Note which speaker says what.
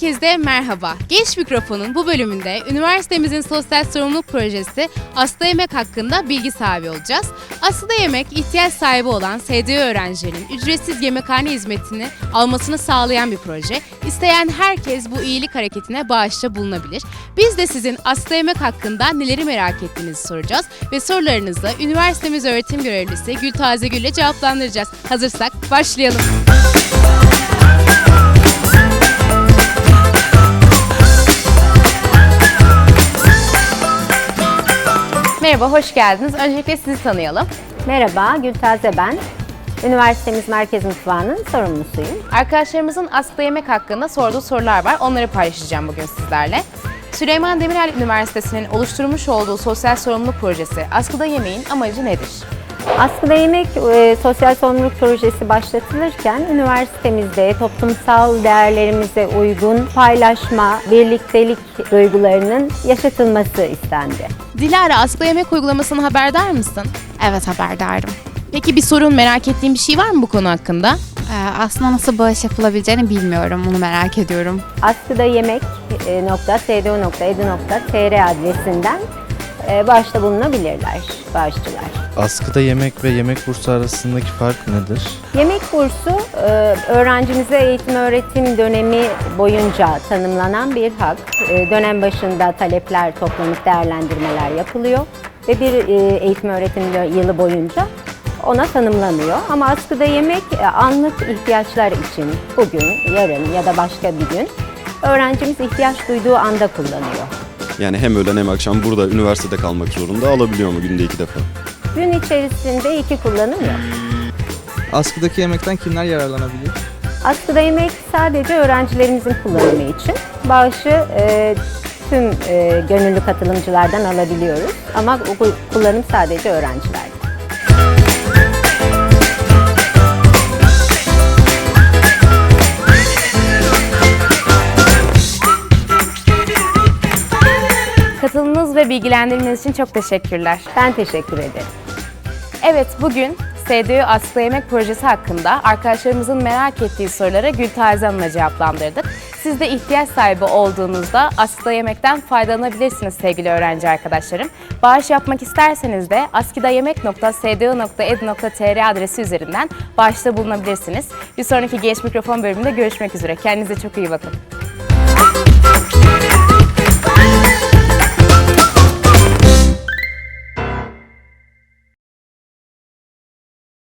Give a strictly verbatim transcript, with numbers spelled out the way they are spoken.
Speaker 1: Herkese merhaba. Genç Mikrofon'un bu bölümünde üniversitemizin sosyal sorumluluk projesi Aslı Yemek hakkında bilgi sahibi olacağız. Aslı Yemek, ihtiyaç sahibi olan S D Ö öğrencilerinin ücretsiz yemekhane hizmetini almasını sağlayan bir proje. İsteyen herkes bu iyilik hareketine bağışta bulunabilir. Biz de sizin Aslı Yemek hakkında neleri merak ettiğinizi soracağız ve sorularınızı üniversitemiz öğretim görevlisi Gültaze Gül ile cevaplandıracağız. Hazırsak başlayalım. Merhaba, hoş geldiniz. Öncelikle sizi tanıyalım.
Speaker 2: Merhaba, Gültaze ben. Üniversitemiz Merkez Mutfağı'nın sorumlusuyum.
Speaker 1: Arkadaşlarımızın Aslı Yemek hakkında sorduğu sorular var. Onları paylaşacağım bugün sizlerle. Süleyman Demirel Üniversitesi'nin oluşturmuş olduğu sosyal sorumluluk projesi Askıda Yemeğin amacı nedir?
Speaker 2: Askıda Yemek e, sosyal sorumluluk projesi başlatılırken üniversitemizde toplumsal değerlerimize uygun paylaşma, birliktelik duygularının yaşatılması istendi.
Speaker 1: Dilara, Askıda Yemek uygulamasını haberdar mısın?
Speaker 3: Evet, haberdarım.
Speaker 1: Peki bir sorun, merak ettiğin bir şey var mı bu konu hakkında?
Speaker 3: Ee, aslında nasıl bağış yapılabileceğini bilmiyorum, onu merak ediyorum.
Speaker 2: askıda yemek nokta s d o nokta e d u nokta t r adresinden e, bağışta bulunabilirler bağışçılar.
Speaker 4: Askıda yemek ve yemek bursu arasındaki fark nedir?
Speaker 2: Yemek bursu e, öğrencimize eğitim öğretim dönemi boyunca tanımlanan bir hak. E, dönem başında talepler toplanıp değerlendirmeler yapılıyor ve bir e, eğitim öğretim yılı boyunca ona tanımlanıyor. Ama askıda yemek e, anlık ihtiyaçlar için bugün, yarın ya da başka bir gün öğrencimiz ihtiyaç duyduğu anda kullanıyor.
Speaker 5: Yani hem öğlen hem akşam burada üniversitede kalmak zorunda, alabiliyor mu günde iki defa?
Speaker 2: Gün içerisinde iki kullanım yok.
Speaker 6: Askıdaki yemekten kimler yararlanabilir?
Speaker 2: Askıda yemek sadece öğrencilerimizin kullanımı için. Bağışı e, tüm e, gönüllü katılımcılardan alabiliyoruz ama bu kullanım sadece öğrencilerde.
Speaker 1: Katıldığınız ve bilgilendirmeniz için çok teşekkürler.
Speaker 2: Ben teşekkür ederim.
Speaker 1: Evet, bugün S D Ö Askıda Yemek projesi hakkında arkadaşlarımızın merak ettiği sorulara Gültaze Hanım'la cevaplandırdık. Siz de ihtiyaç sahibi olduğunuzda Askıda Yemek'ten faydalanabilirsiniz sevgili öğrenci arkadaşlarım. Bağış yapmak isterseniz de askidayemek nokta s d o nokta e d u nokta t r adresi üzerinden bağışta bulunabilirsiniz. Bir sonraki Genç Mikrofon bölümünde görüşmek üzere. Kendinize çok iyi bakın.